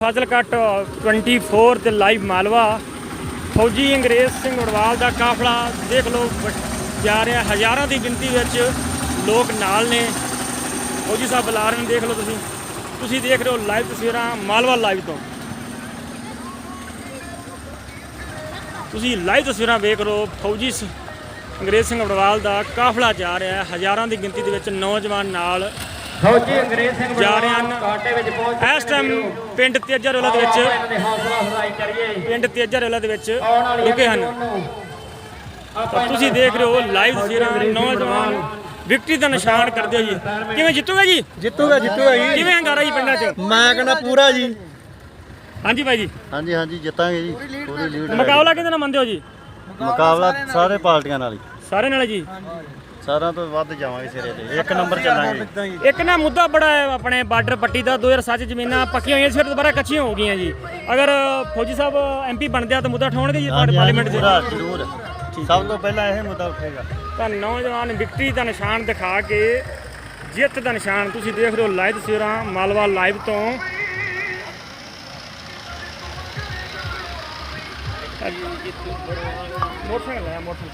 ਫਾਜ਼ਿਲਕਾ 24 ਤੇ ਲਾਈਵ ਮਾਲਵਾ ਫੌਜੀ ਅੰਗਰੇਜ਼ ਸਿੰਘ ਵੜਵਾਲ ਦਾ ਕਾਫਲਾ ਦੇਖ ਲਓ ਜਾ ਰਿਹਾ। ਹਜ਼ਾਰਾਂ ਦੀ ਗਿਣਤੀ ਵਿੱਚ ਲੋਕ ਨਾਲ ਨੇ। ਫੌਜੀ ਸਾਹਿਬ ਬੁਲਾ ਰਹੇ ਨੇ, ਦੇਖ ਲਓ ਤੁਸੀਂ ਦੇਖ ਰਹੇ ਹੋ ਲਾਈਵ ਤਸਵੀਰਾਂ ਮਾਲਵਾ ਲਾਈਵ ਤੋਂ। ਤੁਸੀਂ ਲਾਈਵ ਤਸਵੀਰਾਂ ਵੇਖ ਰਹੇ ਹੋ। ਫੌਜੀ ਅੰਗਰੇਜ਼ ਸਿੰਘ ਵੜਵਾਲ ਦਾ ਕਾਫਲਾ ਜਾ ਰਿਹਾ ਹੈ। ਹਜ਼ਾਰਾਂ ਦੀ ਗਿਣਤੀ ਦੇ ਵਿੱਚ ਨੌਜਵਾਨ ਨਾਲ ਫੌਜੀ ਅੰਗਰੇਜ਼ ਸਿੰਘ ਜਾ ਰਹੇ ਹਨ। ਇਸ ਟਾਈਮ ਪਿੰਡ ਤੇਜਰਵਾਲਾ ਦੇ ਵਿੱਚ ਰੁਕੇ ਹਨ। ਤੁਸੀਂ ਦੇਖ ਰਹੇ ਹੋ ਲਾਈਵ ਤਸਵੀਰਾਂ। ਨੌਜਵਾਨ ਵਿਕਟਰੀ ਦਾ ਨਿਸ਼ਾਨ ਕਰਦੇ ਹੋ ਜੀ। ਕਿਵੇਂ ਜਿੱਤੂਗਾ ਜੀ? ਜਿੱਤੂਗਾ ਜੀ। ਕਿਵੇਂ ਹੰਗਾਰਾ ਜੀ ਪਿੰਡਾਂ 'ਚ? ਮੈਂ ਕਹਿੰਦਾ ਪੂਰਾ ਜੀ। ਹਾਂਜੀ ਭਾਈ ਜੀ। ਹਾਂਜੀ ਜਿੱਤਾਂਗੇ ਜੀ। ਪੂਰੀ ਲੀਡ। ਮੁਕਾਬਲਾ ਕਿਹਦੇ ਨਾਲ ਮੰਨਦੇ ਹੋ ਜੀ? ਮੁਕਾਬਲਾ ਸਾਰੇ ਪਾਰਟੀਆਂ ਨਾਲ ਹੀ। ਸਾਰੇ ਨਾਲ ਜੀ। ਸਾਰਿਆਂ ਤੋਂ ਵੱਧ ਜਾਵਾਂਗੇ ਸਿਰੇ ਤੇ। ਇੱਕ ਨੰਬਰ ਚੱਲਾਂਗੇ। ਇੱਕ ਨਾ ਮੁੱਦਾ ਬੜਾ ਹੈ ਆਪਣੇ ਬਾਰਡਰ ਪੱਟੀ ਦਾ। 2007 ਜ਼ਮੀਨਾਂ ਪੱਕੀਆਂ ਹੋਈਆਂ ਸੀ, ਫਿਰ ਦੁਬਾਰਾ ਕੱਚੀਆਂ ਹੋ ਗਈਆਂ ਜੀ। ਅਗਰ ਫੌਜੀ ਸਾਹਿਬ MP ਬਣਦੇ ਆ ਤਾਂ ਮੁੱਦਾ ਉਠਾਉਣਗੇ ਜੀ ਪਾਰਲੀਮੈਂਟ 'ਚ? ਜ਼ਰੂਰ। ਸਭ ਤੋਂ ਪਹਿਲਾਂ ਇਹ ਮੁੱਦਾ ਉੱਠੇਗਾ। ਤਾਂ ਨੌਜਵਾਨ ਵਿਕਟਰੀ ਦਾ ਨਿਸ਼ਾਨ ਦਿਖਾ ਕੇ ਜਿੱਤ ਦਾ ਨਿਸ਼ਾਨ ਤੁਸੀਂ ਦੇਖ ਰਹੇ ਹੋ ਲਾਈਵ ਤਸਵੀਰਾਂ ਮਾਲਵਾ ਲਾਈਵ ਤੋਂ। ਮੋਟਰਸਾਈਕਲ ਹੈ ਮੋਟਰਸਾਈਕਲ।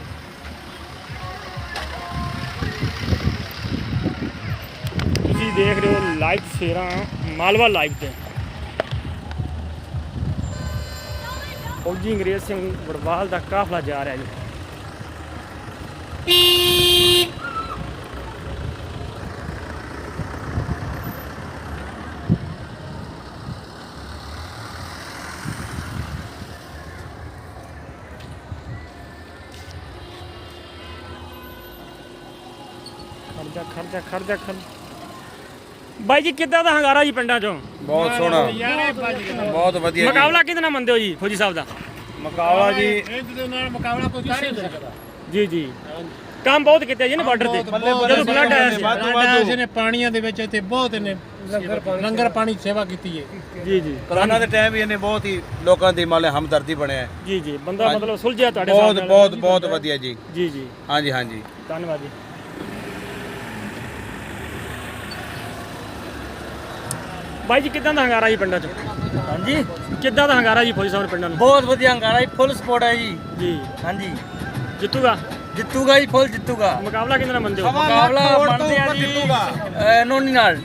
ਤੁਸੀਂ ਦੇਖ ਰਹੇ ਹੋ ਲਾਈਵ ਤਸਵੀਰਾਂ ਮਾਲਵਾ ਲਾਈਵ ਤੇ। ਫੌਜੀ ਅੰਗਰੇਜ਼ ਸਿੰਘ ਵੜਵਾਲ ਦਾ ਕਾਫਲਾ ਜਾ ਰਿਹਾ ਜੀ। ਖਰਜਾ ਬਾਈ ਜੀ, ਕਿੱਦਾਂ ਦਾ ਹੰਗਾਰਾ ਜੀ ਪਿੰਡਾਂ ਚੋਂ? ਬਹੁਤ ਸੋਹਣਾ, ਬਹੁਤ ਵਧੀਆ। ਮੁਕਾਬਲਾ ਕਿਹਦੇ ਨਾਲ ਮੰਨਦੇ ਹੋ ਜੀ ਫੌਜੀ ਸਾਹਿਬ ਦਾ? ਮੁਕਾਬਲਾ ਜੀ ਮੁਕਾਬਲਾ ਕੋਈ ਕਰ ਨਹੀਂ ਸਕਦਾ ਜੀ। ਕੰਮ ਬਹੁਤ ਕੀਤਾ ਜੀ ਨੇ ਬਾਰਡਰ ਤੇ। ਜਦੋਂ ਫਲੱਡ ਆਇਆ ਸੀ ਨੇ ਪਾਣੀਆਂ ਦੇ ਵਿੱਚ ਇੱਥੇ ਬਹੁਤ ਨੇ ਲੰਗਰ ਪਾਣੀ ਸੇਵਾ ਕੀਤੀ ਹੈ ਜੀ। ਕਰੋਨਾ ਦੇ ਟਾਈਮ ਵੀ ਇਹਨੇ ਬਹੁਤ ਹੀ ਲੋਕਾਂ ਦੀ ਮਾਲੇ ਹਮਦਰਦੀ ਬਣਿਆ ਜੀ। ਬੰਦਾ ਮਤਲਬ ਸੁਲਝਿਆ ਤੁਹਾਡੇ ਬਹੁਤ ਬਹੁਤ ਵਧੀਆ ਜੀ। ਹਾਂਜੀ ਧੰਨਵਾਦ ਜੀ। ਬਾਈ ਜੀ, ਕਿੱਦਾਂ ਦਾ ਹੰਗਾਰਾ ਜੀ ਪਿੰਡਾਂ 'ਚ? ਹਾਂਜੀ, ਕਿੱਦਾਂ ਦਾ ਹੰਗਾਰਾ ਜੀ ਫੌਜੀ ਸਾਹਿਬ ਦੇ ਪਿੰਡਾਂ ਨੂੰ? ਬਹੁਤ ਵਧੀਆ ਹੰਗਾਰਾ ਜੀ। ਫੁੱਲ ਸਪੋਰਟ ਹੈ ਜੀ। ਹਾਂਜੀ, ਜਿੱਤੂਗਾ ਜਿੱਤੂਗਾ ਜੀ। ਫੁੱਲ ਜਿੱਤੂਗਾ। ਮੁਕਾਬਲਾ ਕਿਹਦੇ ਨਾਲ ਮੰਨਦੇ ਹੋ? ਮੁਕਾਬਲਾ ਮੰਨਦੇ ਆ ਜੀ ਨੋਨੀ ਨਾਲ।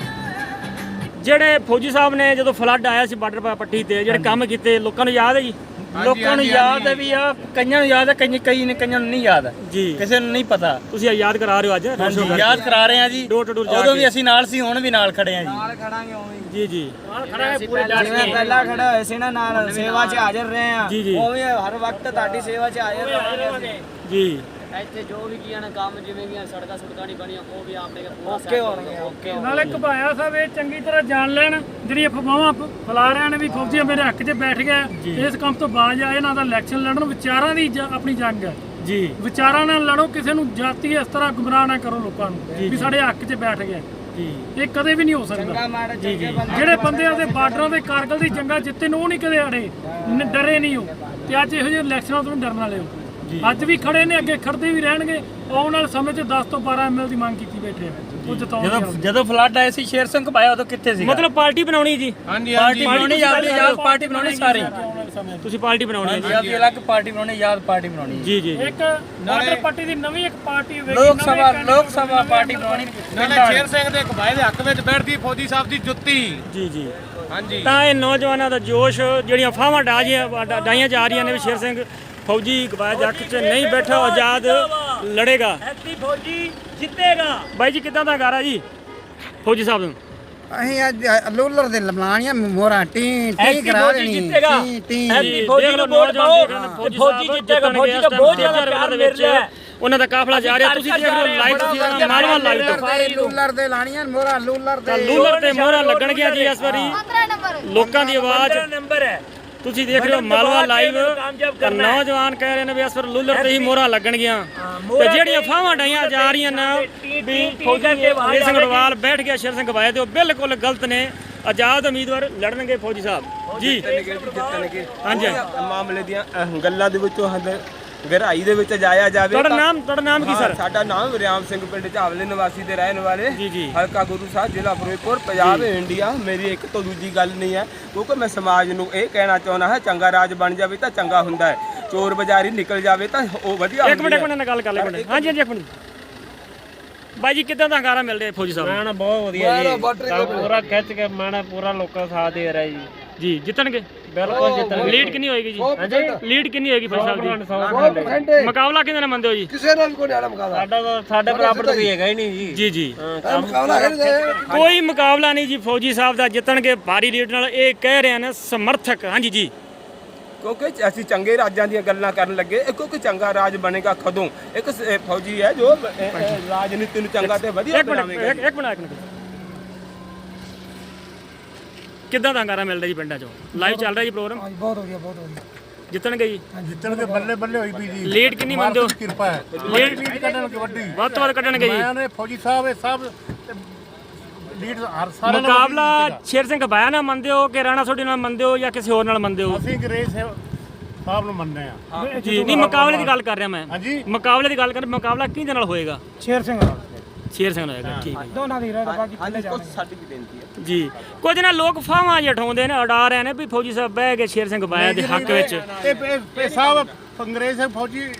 ਜਿਹੜੇ ਫੌਜੀ ਸਾਹਿਬ ਨੇ ਜਦੋਂ ਫਲੱਡ ਆਇਆ ਸੀ ਬਾਰਡਰ ਪੱਟੀ ਤੇ ਜਿਹੜੇ ਕੰਮ ਕੀਤੇ ਲੋਕਾਂ ਨੂੰ ਯਾਦ ਹੈ ਜੀ? ਲੋਕਾਂ ਨੂੰ ਯਾਦ ਹੈ ਵੀ ਆ, ਕਈਆਂ ਨੂੰ ਯਾਦ ਹੈ, ਕਈਆਂ ਨੂੰ ਨਹੀਂ ਯਾਦ ਜੀ। ਕਿਸੇ ਨੂੰ ਨਹੀਂ ਪਤਾ। ਤੁਸੀਂ ਯਾਦ ਕਰਾ ਰਹੇ ਹੋ ਅੱਜ? ਹਾਂਜੀ, ਯਾਦ ਕਰਾ ਰਹੇ ਆ ਜੀ। ਡੋਰ ਟੂ ਡੋਰ ਜਾ ਉਦੋਂ ਕੇ। ਵੀ ਅਸੀਂ ਨਾਲ ਸੀ, ਹੁਣ ਵੀ ਨਾਲ ਖੜੇ ਆ ਜੀ। ਨਾਲ ਖੜਾਂਗੇ ਉਵੇਂ ਜੀ ਜਿਵੇਂ ਪਹਿਲਾਂ ਖੜਾ ਹੋਏ ਸੀ ਨਾ, ਨਾਲ ਸੇਵਾ 'ਚ ਹਾਜ਼ਰ ਰਹੇ ਆ, ਜੀ। ਉਵੇਂ ਹਰ ਵਕਤ ਤੁਹਾਡੀ ਸੇਵਾ 'ਚ ਹਾਜ਼ਰ ਰਹਾਂਗੇ ਜੀ। ਇੱਥੇ ਜੋ ਵੀ ਕੀਆਂ ਨੇ ਕੰਮ, ਜਿਵੇਂ ਵੀ ਸੜਕਾਂ ਨਹੀਂ ਬਣੀਆਂ, ਉਹ ਵੀ ਆਪਣੇ ਪੂਰਾ ਓਕੇ ਹੋਣਗੇ। ਓਕੇ ਨਾਲੇ ਘਬਾਇਆ ਸਾਹਿਬ ਇਹ ਚੰਗੀ ਤਰ੍ਹਾਂ ਜਾਣ ਲੈਣ ਜਿਹੜੀਆਂ ਅਫਵਾਹਾਂ ਫੈਲਾ ਰਹੇ ਨੇ ਵੀ ਫੌਜੀ ਮੇਰੇ ਹੱਕ 'ਚ ਬੈਠ ਗਿਆ, ਇਸ ਕੰਮ ਤੋਂ ਬਾਜ ਆਏ। ਇਹਨਾਂ ਦਾ ਇਲੈਕਸ਼ਨ ਲੜਨ ਵਿਚਾਰਾਂ ਦੀ ਆਪਣੀ ਜੰਗ ਹੈ ਜੀ। ਵਿਚਾਰਾਂ ਨਾਲ ਲੜੋ, ਕਿਸੇ ਨੂੰ ਜਾਤੀ ਇਸ ਤਰ੍ਹਾਂ ਗੁੰਮਰਾਹ ਨਾ ਕਰੋ ਲੋਕਾਂ ਨੂੰ ਵੀ ਸਾਡੇ ਹੱਕ 'ਚ ਬੈਠ ਗਿਆ। ਇਹ ਕਦੇ ਵੀ ਨਹੀਂ ਹੋ ਸਕਦਾ ਜੀ। ਜਿਹੜੇ ਬੰਦੇ ਆਦੇ ਬਾਰਡਰਾਂ ਦੇ ਕਾਰਗਲ ਦੀ ਜੰਗਾਂ ਜਿੱਤੇ ਨੇ, ਉਹ ਨਹੀਂ ਕਦੇ ਅੜੇ, ਡਰੇ ਨਹੀਂ ਹੋ। ਤੇ ਅੱਜ ਇਹੋ ਜਿਹੇ ਇਲੈਕਸ਼ਨਾਂ ਤੋਂ ਡਰਨ ਵਾਲੇ ਹੋ। ਅੱਜ ਵੀ ਖੜੇ ਨੇ, ਅੱਗੇ ਖੜਦੇ ਵੀ ਰਹਿਣਗੇ। ਆਉਣ ਵਾਲੇ ਸਮੇਂ 'ਚ 10 ਤੋਂ 12 ML ਦੀ ਮੰਗ ਕੀਤੀ ਬੈਠੇ ਆ। ਉਹ ਜਿਤਾਉਣਗੇ। ਜਦੋਂ ਫਲੱਡ ਆਇਆ ਸੀ, ਸ਼ੇਰ ਸਿੰਘ ਘਬਾਇਆ ਉਦੋਂ ਕਿੱਥੇ ਸੀ? ਮਤਲਬ ਪਾਰਟੀ ਬਣਾਉਣੀ ਜੀ। ਪਾਰਟੀ ਬਣਾਉਣੀ, ਯਾਦ ਪਾਰਟੀ ਬਣਾਉਣੀ ਸਾਰੀ। ਤੁਸੀਂ ਪਾਰਟੀ ਬਣਾਉਣੀ ਹੈ ਯਾਦ ਅਲੱਗ ਪਾਰਟੀ ਬਣਾਉਣੀ, ਯਾਦ ਪਾਰਟੀ ਬਣਾਉਣੀ ਜੀ। ਇੱਕ ਬਾਰਡਰ ਪੱਟੀ ਦੀ ਨਵੀਂ ਇੱਕ ਪਾਰਟੀ ਹੋਵੇਗੀ, ਲੋਕ ਸਭਾ ਪਾਰਟੀ ਬਣਾਉਣੀ। ਸ਼ੇਰ ਸਿੰਘ ਦੇ ਘਬਾਏ ਦੇ ਹੱਕ ਵਿੱਚ ਬੈਠਦੀ ਫੌਜੀ ਸਾਹਿਬ ਦੀ ਜੁੱਤੀ। ਜੀ। ਹਾਂਜੀ, ਤਾਂ ਇਹ ਨੌਜਵਾਨਾਂ ਦਾ ਜੋਸ਼, ਜਿਹੜੀਆਂ ਫਾਵਾਂ ਡਾਈਆਂ ਜਾ ਰਹੀਆਂ ਨੇ ਵੀ ਸ਼ੇਰ ਸਿੰਘ ਫੌਜੀ ਘਬਾਇਆ ਦੇ ਹੱਕ 'ਚ ਨਹੀਂ ਬੈਠਾ, ਆਜ਼ਾਦ ਲੜੇਗਾ, ਫੌਜੀ ਜਿੱਤੇਗਾ। ਬਾਈ ਜੀ, ਕਿੱਦਾਂ ਦਾ ਹੰਗਾਰਾ ਜੀ ਫੌਜੀ ਸਾਹਿਬ ਨੂੰ? ਅਸੀਂ ਅੱਜ ਲੂਲਰ ਦੇ ਲਮਾਣੀਆਂ ਮੋਹਰਾਂ ਟੀ ਕਰਾ ਦੇਣੀ। ਜਿੱਤੇਗਾ। ਐਪੀ ਫੌਜੀ ਨੂੰ ਵੋਟ ਪਾਓ, ਫੌਜੀ ਜਿੱਤੇਗਾ। ਫੌਜੀ ਦਾ ਬਹੁਤ ਜ਼ਿਆਦਾ ਪਿਆਰ ਮਿਲ ਰਿਹਾ। ਉਹਨਾਂ ਦਾ ਕਾਫਲਾ ਜਾ ਰਿਹਾ। ਤੁਸੀਂ ਦੇਖ ਰਹੇ ਹੋ ਲਾਈਵ ਤਸਵੀਰਾਂ ਮਾਲਵਾ ਲਾਈਵ ਤੋਂ। ਲੂਲਰ ਦੇ ਲਾਣੀਆਂ ਮੋਹਰਾਂ ਲੂਲਰ ਤੇ ਮੋਹਰਾਂ ਲੱਗਣ ਗਿਆ ਜੀ ਇਸ ਵਾਰੀ। ਲੋਕਾਂ ਦੀ ਆਵਾਜ਼ ਨੰਬਰ ਹੈ। ਤੁਸੀਂ ਦੇਖ ਰਹੇ ਹੋ ਮਾਲਵਾ ਲਾਈਵ। ਨੌਜਵਾਨ ਕਹਿ ਰਹੇ ਨੇ ਵੀ ਇਸ ਵਾਰ ਲੂਲਰ ਤੇ ਹੀ ਮੋਹਰਾਂ ਲੱਗਣਗੀਆਂ। ਤੇ ਜਿਹੜੀਆਂ ਫਾਵਾਂ ਡਾਈਆਂ ਜਾ ਰਹੀਆਂ ਨੇ ਵੀ ਫੌਜੀ ਅੰਗਰੇਜ਼ ਸਿੰਘ ਵੜਵਾਲ ਬੈਠ ਗਿਆ ਸ਼ੇਰ ਸਿੰਘ ਘਬਾਇਆ ਤੇ, ਉਹ ਬਿਲਕੁਲ ਗਲਤ ਨੇ। ਆਜ਼ਾਦ ਉਮੀਦਵਾਰ ਲੜਨਗੇ ਫੌਜੀ ਸਾਹਿਬ ਜੀ। ਹਾਂਜੀ, ਮਾਮਲੇ ਦੀਆਂ ਗੱਲਾਂ ਦੇ ਵਿੱਚੋਂ ਗਹਿਰਾਈ ਦੇ ਵਿੱਚ ਜਾਇਆ ਜਾਵੇ। ਤੁਹਾਡਾ ਨਾਮ ਕੀ ਸਰ? ਸਾਡਾ ਨਾਮ ਵਿਰਿਆਮ ਸਿੰਘ, ਪਿੰਡ ਝਾਵਲੇ ਨਿਵਾਸੀ ਦੇ ਰਹਿਣ ਵਾਲੇ, ਹਲਕਾ ਗੁਰੂ ਸਾਹਿਬ, ਜ਼ਿਲ੍ਹਾ ਫਿਰੋਜ਼ਪੁਰ, ਪੰਜਾਬ, ਇੰਡੀਆ। ਮੇਰੀ ਇੱਕ ਤੋਂ ਦੂਜੀ ਗੱਲ ਨਹੀਂ ਹੈ, ਕਿਉਂਕਿ ਮੈਂ ਸਮਾਜ ਨੂੰ ਇਹ ਕਹਿਣਾ ਚਾਹੁੰਦਾ ਹਾਂ, ਚੰਗਾ ਰਾਜ ਬਣ ਜਾਵੇ ਤਾਂ ਚੰਗਾ ਹੁੰਦਾ ਹੈ, ਚੋਰ ਬਜ਼ਾਰੀ ਨਿਕਲ ਜਾਵੇ ਤਾਂ ਉਹ ਵਧੀਆ ਇੱਕ ਮਿੰਟ ਨਾਲ ਗੱਲ ਕਰ ਲੈ। ਹਾਂਜੀ ਇੱਕ ਮਿੰਟ ਬਾਈ ਜੀ, ਕਿੱਦਾਂ ਦਾ ਹੰਗਾਰਾ ਮਿਲ ਰਿਹਾ ਫੌਜੀ ਸਾਹਿਬ ਮੈਂ ਬਹੁਤ ਵਧੀਆ ਜੀ, ਪੂਰਾ ਖਿੱਚ ਕੇ ਮੈਂ ਪੂਰਾ ਲੋਕਾਂ ਦਾ ਸਾਥ ਦੇ ਰਿਹਾ ਜੀ। ਜੀ ਜਿੱਤਣਗੇ? ਬਿਲਕੁਲ ਜਿੱਤਣਗੇ। ਲੀਡ ਕਿੰਨੀ ਹੋਏਗੀ ਜੀ? ਹਾਂਜੀ ਲੀਡ ਕਿੰਨੀ ਹੋਏਗੀ ਫੌਜੀ ਸਾਹਿਬ ਦੀ? ਮੁਕਾਬਲਾ ਕਿਹਦੇ ਨਾਲ ਮੰਨਦੇ ਹੋ ਜੀ? ਕਿਸੇ ਨਾਲ ਕੋਈ ਨਹੀਂ ਮੁਕਾਬਲਾ, ਸਾਡਾ ਤਾਂ ਸਾਡੇ ਬਰਾਬਰ ਤਾਂ ਕੋਈ ਹੈਗਾ ਹੀ ਨਹੀਂ ਜੀ। ਜੀ ਜੀ, ਮੁਕਾਬਲਾ ਕੋਈ ਮੁਕਾਬਲਾ ਨਹੀਂ ਜੀ ਫੌਜੀ ਸਾਹਿਬ ਦਾ, ਜਿੱਤਣਗੇ ਭਾਰੀ ਲੀਡ ਨਾਲ, ਇਹ ਕਹਿ ਰਹੇ ਨੇ ਸਮਰਥਕ। ਹਾਂਜੀ ਜੀ, ਕਿਉਂਕਿ ਅਸੀਂ ਚੰਗੇ ਰਾਜਾਂ ਦੀਆਂ ਗੱਲਾਂ ਕਰਨ ਲੱਗੇ, ਕਿਉਂਕਿ ਚੰਗਾ ਰਾਜ ਬਣੇਗਾ ਕਦੋਂ? ਇੱਕ ਫੌਜੀ ਹੈ ਜੋ ਰਾਜਨੀਤੀ ਨੂੰ ਚੰਗਾ ਤੇ ਵਧੀਆ ਬਣਾਵੇਗਾ। ਇੱਕ ਮਿੰਟ ਕਿੱਦਾਂ ਦਾ ਹੰਗਾਰਾ ਮਿਲ ਰਿਹਾ ਜੀ ਪਿੰਡਾਂ 'ਚੋਂ? ਲਾਈਵ ਚੱਲ ਰਿਹਾ ਜੀ ਪ੍ਰੋਗਰਾਮ? ਬਹੁਤ ਵਧੀਆ, ਬਹੁਤ ਵਧੀਆ। ਜਿੱਤਣਗੇ ਜੀ? ਜਿੱਤਣਗੇ, ਬੱਲੇ ਬੱਲੇ ਹੋਈ ਪਈ ਜੀ। ਲੀਡ ਕਿੰਨੀ ਮੰਨਦੇ ਹੋ? ਕਿਰਪਾ ਹੈ, ਲੀਡ ਕੱਢਣਗੇ ਵੱਡੀ, ਵੱਧ ਤੋਂ ਵੱਧ ਕੱਢਣਗੇ ਜੀ। ਮੈਂ ਫੌਜੀ ਸਾਹਿਬ ਇਹ ਸਭ ਲੀਡ ਹਰ ਸਾਰਿਆਂ ਨਾਲ ਮੁਕਾਬਲਾ ਸ਼ੇਰ ਸਿੰਘ ਬਾਇਆ ਨਾਲ ਮੰਨਦੇ ਹੋ ਕਿ ਰਾਣਾ ਸੋਢੀ ਨਾਲ ਮੰਨਦੇ ਹੋ ਜਾਂ ਕਿਸੇ ਹੋਰ ਨਾਲ ਮੰਨਦੇ ਹੋ? ਅਸੀਂ ਅੰਗਰੇਜ਼ ਸਾਹਿਬ ਨੂੰ ਮੰਨਦੇ ਆ ਜੀ ਨਹੀਂ, ਮੁਕਾਬਲੇ ਦੀ ਗੱਲ ਕਰ ਰਿਹਾ ਮੈਂ। ਹਾਂਜੀ, ਮੁਕਾਬਲੇ ਦੀ ਗੱਲ ਕਰ, ਮੁਕਾਬਲਾ ਕਿਹਦੇ ਨਾਲ ਹੋਏਗਾ? ਸ਼ੇਰ ਸਿੰਘ ਨਾਲ, ਸ਼ੇਰ ਸਿੰਘ ਨਾਲ ਹੋਏਗਾ। ਠੀਕ ਹੈ ਦੋਨਾਂ ਦੀ ਰਹਿ ਬਾਕੀ ਥੱਲੇ ਜਾਣੇ ਸਾਡੀ ਵੀ ਬੇਨਤੀ ਹੈ ਜੀ। ਕੁਝ ਨਾ ਲੋਕ ਫਾਵਾਂ ਜਿਹਾ ਉਠਾਉਂਦੇ ਨੇ, ਉਡਾ ਰਹੇ ਨੇ ਵੀ ਫੌਜੀ ਸਾਹਿਬ ਬਹਿ ਗਏ ਸ਼ੇਰ ਸਿੰਘ ਬਾਇਆ ਦੇ ਹੱਕ ਵਿੱਚ। ਇਹ ਸਾਹਿਬ ਅੰਗਰੇਜ਼ ਫੌਜੀ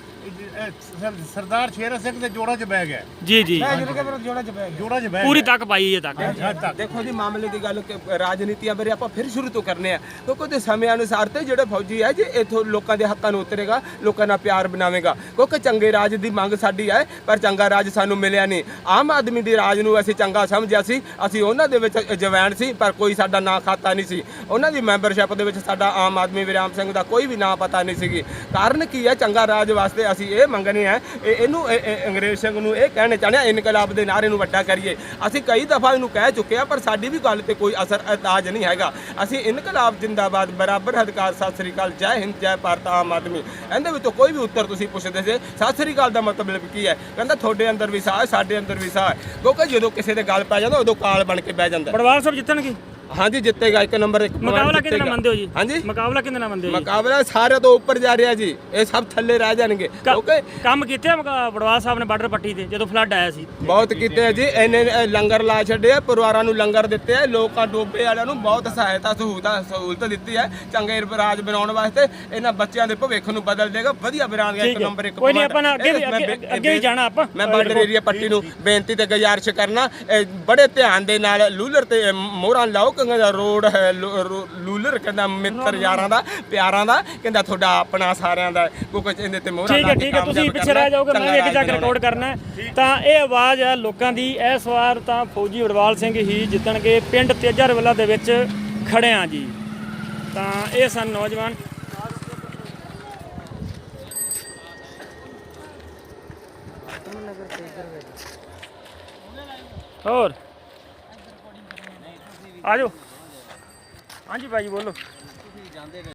ਸਰਦਾਰ ਸ਼ੇਰ ਸਿੰਘ ਦੇ ਜੋੜਾਂ 'ਚ ਬਹਿ ਗਿਆ ਜੀ ਜੀ, ਜੋੜਾਂ 'ਚ ਬਹਿ ਪੂਰੀ ਤੱਕ ਪਾਈ ਹੈ ਤੱਕ। ਦੇਖੋ ਜੀ, ਮਾਮਲੇ ਦੀ ਗੱਲ ਰਾਜਨੀਤੀਆਂ ਬਾਰੇ ਆਪਾਂ ਫਿਰ ਸ਼ੁਰੂ ਤੋਂ ਕਰਨੇ ਆ, ਕਿਉਂਕਿ ਉਹਦੇ ਸਮੇਂ ਅਨੁਸਾਰ ਤੇ ਜਿਹੜੇ ਫੌਜੀ ਹੈ ਜੇ ਇਥੋਂ ਲੋਕਾਂ ਦੇ ਹੱਕਾਂ ਨੂੰ ਉਤਰੇਗਾ, ਲੋਕਾਂ ਨਾਲ ਪਿਆਰ ਬਣਾਵੇਗਾ, ਕਿਉਂਕਿ ਚੰਗੇ ਰਾਜ ਦੀ ਮੰਗ ਸਾਡੀ ਹੈ, ਪਰ ਚੰਗਾ ਰਾਜ ਸਾਨੂੰ ਮਿਲਿਆ ਨਹੀਂ। ਆਮ ਆਦਮੀ ਦੀ ਰਾਜ ਨੂੰ ਅਸੀਂ ਚੰਗਾ ਸਮਝਿਆ ਸੀ, ਅਸੀਂ ਉਹਨਾਂ ਦੇ ਵਿੱਚ ਜਵੈਣ ਸੀ, ਪਰ ਕੋਈ ਸਾਡਾ ਨਾਂ ਖਾਤਾ ਨਹੀਂ ਸੀ। ਉਹਨਾਂ ਦੀ ਮੈਂਬਰਸ਼ਿਪ ਦੇ ਵਿੱਚ ਸਾਡਾ ਆਮ ਆਦਮੀ ਵਿਰਿਆਮ ਸਿੰਘ ਦਾ ਕੋਈ ਵੀ ਨਾਂ ਪਤਾ ਨਹੀਂ ਸੀਗੀ। ਕਾਰਨ ਕੀ ਹੈ? ਚੰਗਾ ਰਾਜ ਵਾਸਤੇ ਅਸੀਂ ਇਹ ਮੰਗਣੇ ਆ, ਇਹਨੂੰ ਅੰਗਰੇਜ਼ ਸਿੰਘ ਨੂੰ ਇਹ ਕਹਿਣੇ ਚਾਹੁੰਦੇ ਆ, ਇਨਕਲਾਬ ਦੇ ਨਾਅਰੇ ਨੂੰ ਵੱਡਾ ਕਰੀਏ। ਅਸੀਂ ਕਈ ਦਫਾ ਇਹਨੂੰ ਕਹਿ ਚੁੱਕੇ ਆ, ਪਰ ਸਾਡੀ ਵੀ ਗੱਲ ਤੇ ਕੋਈ ਅਸਰ ਅੰਦਾਜ਼ ਨਹੀਂ ਹੈਗਾ। ਅਸੀਂ ਇਨਕਲਾਬ ਜਿੰਦਾਬਾਦ, ਬਰਾਬਰ ਅਧਿਕਾਰ, ਸਤਿ ਸ੍ਰੀ ਅਕਾਲ, ਜੈ ਹਿੰਦ, ਜੈ ਭਾਰਤ, ਆਮ ਆਦਮੀ, ਇਹਦੇ ਵਿੱਚੋਂ ਕੋਈ ਵੀ ਉੱਤਰ ਤੁਸੀਂ ਪੁੱਛਦੇ ਸੀ। ਸਤਿ ਸ੍ਰੀ ਅਕਾਲ ਦਾ ਮਤਲਬ ਕੀ ਹੈ? ਕਹਿੰਦਾ ਤੁਹਾਡੇ ਅੰਦਰ ਵੀ ਸਾਹ ਹੈ, ਸਾਡੇ ਅੰਦਰ ਵੀ ਸਾਹ ਹੈ, ਕਿਉਂਕਿ ਜਦੋਂ ਕਿਸੇ ਦੇ ਗੱਲ ਪੈ ਜਾਂਦਾ ਉਦੋਂ ਕਾਲ ਬਣ ਕੇ ਬਹਿ ਜਾਂਦਾ। ਪੜਵਾਲ ਸਾਹਿਬ ਜਿੱਤਣਗੇ? ਹਾਂਜੀ ਜਿੱਤੇਗਾ, ਇੱਕ ਨੰਬਰ ਇੱਕ। ਮੁਕਾਬਲਾ ਕਿਹਦੇ ਨਾਲ ਮੰਨਦੇ ਹੋ ਜੀ? ਹਾਂਜੀ, ਮੁਕਾਬਲਾ ਕਿਹਦੇ ਨਾਲ ਮੰਨਦੇ ਹੋ ਜੀ? ਮੁਕਾਬਲਾ ਸਾਰੇ ਤੋਂ ਉੱਪਰ ਜਾ ਰਿਹਾ ਜੀ, ਇਹ ਸਭ ਥੱਲੇ ਰਹਿ ਜਾਣਗੇ। ਕਿਉਂਕਿ ਕੰਮ ਕੀਤੇ ਪੜਵਾਲ ਸਾਹਿਬ ਨੇ ਬਾਰਡਰ ਪੱਟੀ ਤੇ ਜਦੋਂ ਫਲੱਡ ਆਇਆ ਸੀ? ਬਹੁਤ ਕੀਤੇ ਆ ਜੀ, ਇਹਨੇ ਲੰਗਰ ਲਾ ਛੱਡੇ ਆ, ਪਰਿਵਾਰਾਂ ਨੂੰ ਲੰਗਰ ਦਿੱਤੇ ਆ, ਲੋਕਾਂ ਡੋਬੇ ਵਾਲਿਆਂ ਨੂੰ ਬਹੁਤ ਸਹਾਇਤਾ ਸਹੂਲਤ ਦਿੱਤੀ ਹੈ। ਚੰਗੇ ਰਾਜ ਬਣਾਉਣ ਵਾਸਤੇ ਇਹਨਾਂ ਬੱਚਿਆਂ ਦੇ ਭਵਿੱਖ ਨੂੰ ਬਦਲ ਦੇਗਾ, ਵਧੀਆ ਬਣਾਉਣਗੇ। ਇੱਕ ਨੰਬਰ ਇੱਕ। ਕੋਈ ਨਹੀਂ, ਆਪਾਂ ਅੱਗੇ ਵੀ ਜਾਣਾ। ਆਪਾਂ ਮੈਂ ਬਾਰਡਰ ਏਰੀਆ ਪੱਟੀ ਨੂੰ ਬੇਨਤੀ ਤੇ ਗੁਜ਼ਾਰਿਸ਼ ਕਰਨਾ, ਬੜੇ ਧਿਆਨ ਦੇ ਨਾਲ ਲੂਲਰ ਤੇ ਮੋਹਰਾਂ ਲਾਓ, ਕਿਉਂਕਿ ਰੋਡ ਲੂਲਰ ਕਹਿੰਦਾ ਮਿੱਤਰ ਯਾਰਾਂ ਦਾ, ਪਿਆਰਾਂ ਦਾ, ਕਹਿੰਦਾ ਤੁਹਾਡਾ ਆਪਣਾ ਸਾਰਿਆਂ ਦਾ, ਕਿਉਂਕਿ ਇਹਦੇ ਤੇ ਮੋਹਰਾਂ ਲਾ ਕੇ ਠੀਕ ਹੈ, ਤੁਸੀਂ ਪਿੱਛੇ ਰਹਿ ਜਾਓਗੇ, ਮੈਂ ਵੀ ਅੱਗੇ ਜਾ ਕੇ ਰਿਕਾਰਡ ਕਰਨਾ ਹੈ। ਤਾਂ ਇਹ ਆਵਾਜ਼ ਹੈ ਲੋਕਾਂ ਦੀ। ਇਸ ਵਾਰ ਤਾਂ ਫੌਜੀ ਵਡਵਾਲ ਸਿੰਘ ਹੀ ਜਿੱਤਣਗੇ। ਪਿੰਡ ਤੇਜਾ ਰਵਲਾ ਦੇ ਵਿੱਚ ਖੜੇ ਆ ਜੀ। ਤਾਂ ਇਹ ਸਨ ਨੌਜਵਾਨ। ਹੋਰ ਆ ਜਾਓ। ਹਾਂਜੀ ਭਾਈ ਬੋਲੋ।